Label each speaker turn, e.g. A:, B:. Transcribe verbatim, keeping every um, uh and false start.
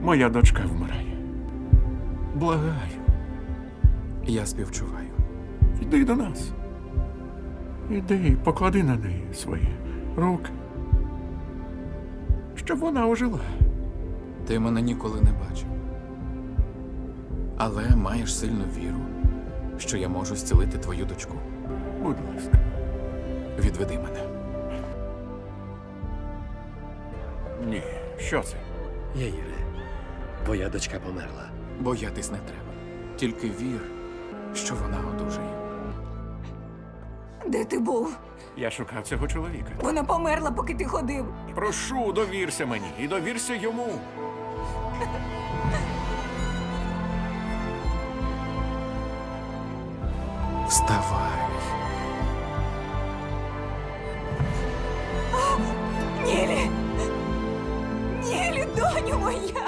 A: Моя дочка вмирає. Благаю,
B: Я співчуваю.
A: йди до нас. Іди, поклади на неї свої руки. Щоб вона ожила.
B: Ти мене ніколи не бачив. Але маєш сильну віру, що я можу зцілити твою дочку.
A: Будь ласка.
B: Відведи мене.
A: Ні, що це?
C: Яїре, твоя дочка померла.
B: Боятись не треба. Тільки вір, що вона одужає.
D: Де ти був?
A: Я шукав цього чоловіка.
D: Вона померла, поки ти ходив.
A: Прошу, довірся мені і довірся йому.
B: Вставай.